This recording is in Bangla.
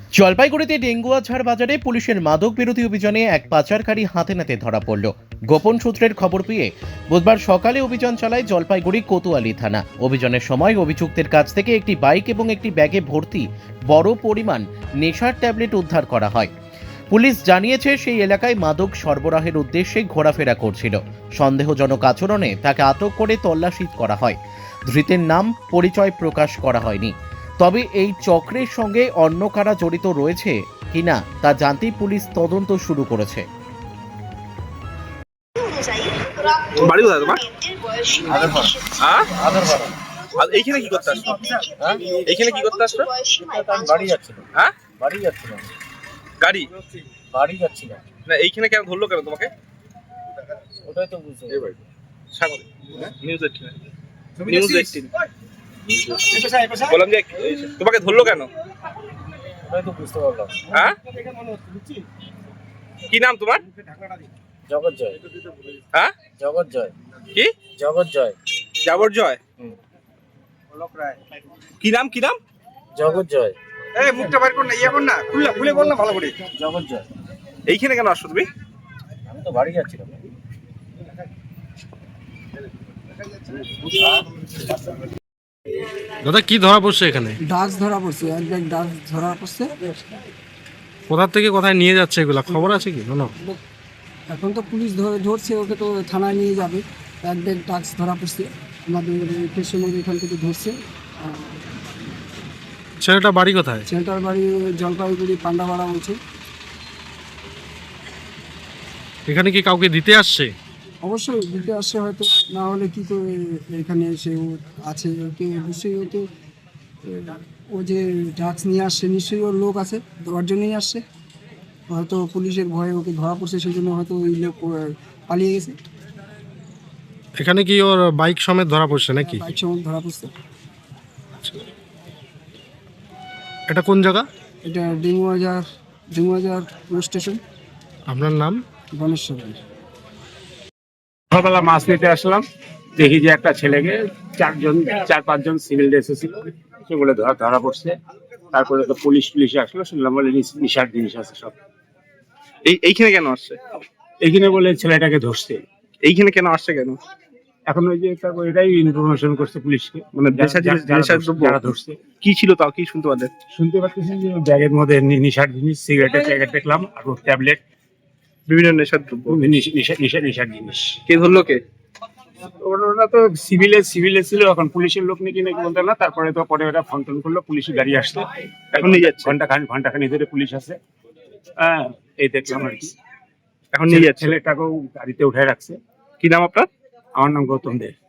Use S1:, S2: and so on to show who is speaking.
S1: জলপাইগুড়িতে ডেঙ্গুয়াঝাড় বাজারে পুলিশের মাদক বিরোধী অভিযানে এক পাচারকারী হাতে নাতে ধরা পড়ল। গোপন সূত্রের খবর পেয়ে বুধবার সকালে অভিযান চালায় জলপাইগুড়ি কোতোয়ালি থানা। অভিযানের সময় অভিযুক্তের কাছ থেকে একটি বাইক এবং একটি ব্যাগে ভর্তি বড় পরিমাণ নেশার ট্যাবলেট উদ্ধার করা হয়। পুলিশ জানিয়েছে সেই এলাকায় মাদক সরবরাহের উদ্দেশ্যে ঘোরাফেরা করছিল। সন্দেহজনক আচরণে তাকে আটক করে তল্লাশি করা হয়। ধৃতের নাম পরিচয় প্রকাশ করা হয়নি। তবে এই চক্রের সঙ্গে অন্য কারা জড়িত রয়েছে কিনা তা জানতেই পুলিশ তদন্ত শুরু করেছে।
S2: বাড়ি কোথায় তোমার? এইখানে কি করতে আসছো? এইখানে কি করতে আসছো?
S3: বাড়ি যাচ্ছিল।
S2: হ্যাঁ,
S3: বাড়ি যাচ্ছিলাম।
S2: গাড়ি
S3: বাড়ি যাচ্ছিলাম।
S2: না, এইখানে কেন ধরলো কেন তোমাকে?
S3: ওটাই তো বুঝতে
S2: নিউজ 18 বললাম যে তোমাকে ধরলো কেন?
S3: ওটাই তো বুঝতে পারলাম।
S2: হ্যাঁ, কি নাম তোমার?
S3: জগৎ জয়।
S2: হ্যাঁ,
S3: জগৎ জয়।
S2: কি
S3: জগৎ জয়।
S2: যাবর জয়? কি নাম কি নাম?
S3: জগৎ জয়।
S4: এই মুখটা বাইর কর না, ইয়া কর না, খুলে বল না ভালো করে।
S3: জগৎ জয়।
S2: এইখানে কেন আসছো তুমি?
S3: আমি তো বাড়ি যাচ্ছিলাম।
S5: দাদা কি ধরা পড়ছে এখানে?
S6: ডাক্স ধরা পড়ছে, এক ব্যাগ ডাক্স ধরা পড়ছে।
S5: কোথা থেকে কোথায় নিয়ে যাচ্ছে এগুলা খবর আছে কি? না,
S6: এখন তো পুলিশ ধরছে, ওকে তো থানায় নিয়ে যাবে। এক ব্যাগ ডাক্স ধরা পড়ছে, আমাদের কৃষ্ণনগর এখান থেকে ধরছে।
S5: ছেলেটা বাড়ি কোথায়?
S6: সেন্টার বাড়ি জলপাইগুড়ি পান্ডাপাড়া বলছে।
S5: এখানে কি কাউকে দিতে আসছে?
S6: অবশ্যই দিতে আসছে, হয়তো না হলে কি করে এখানে সে আছে। ওকে অবশ্যই ওকে ও যে ড্রাগস নিয়ে আসছে, নিশ্চয়ই ওর লোক আছে, ওর জন্যই আসছে। হয়তো পুলিশের ভয়ে ওকে ধরা পড়ছে, সেই জন্য হয়তো ওই লোক পালিয়ে গেছে।
S5: এখানে কি ওর বাইক সমেত ধরা পড়ছে নাকি?
S6: বাইক সময় ধরা পড়ছে।
S5: এটা কোন জায়গা?
S6: এটা ডেঙ্গুয়াঝাড় পুলিশ স্টেশন।
S5: আপনার নাম?
S6: গণেশ সরকার।
S7: সকালবেলা মাছ নিতে আসলাম, দেখি যে একটা ছেলেকে চার পাঁচজন সিভিল ড্রেসে ছিল, সেগুলো ধরা পড়ছে। তারপরে তো পুলিশ আসলো, শুনলাম বলে নিশার জিনিস আছে সব।
S2: এইখানে কেন আসছে?
S7: এইখানে বলে ছেলেটাকে ধরছে।
S2: এইখানে কেন আসছে কেন?
S7: এখন ওই যে এটাই ইনফরমেশন করছে পুলিশকে,
S2: মানে নেশার দ্রব্য
S7: যারা ধরছে।
S2: কি ছিল তাও কি শুনতে পারলেন?
S7: শুনতে পাচ্ছি যে ব্যাগের মধ্যে নিশার জিনিস, সিগারেটের প্যাকেট দেখলাম, আর ট্যাবলেট,
S2: বিভিন্ন নেশার দ্রব্য।
S7: নিশার জিনিস।
S2: কে ধরলো কে?
S7: ওরা তো সিভিলে ছিল, এখন পুলিশের লোক নাকি বলতে না। তারপরে তো পরে ওরা ফোন টোন করলো, পুলিশের গাড়ি আসছে,
S2: এখন নিয়ে যাচ্ছে।
S7: ঘন্টাখানি ধরে পুলিশ আছে। হ্যাঁ, এই দেখলাম আর কি।
S2: এখন নিয়ে যাচ্ছে।
S7: ছেলেটাকেও গাড়িতে উঠে রাখছে।
S2: কি নাম আপনার?
S7: আমার নাম গৌতম দে।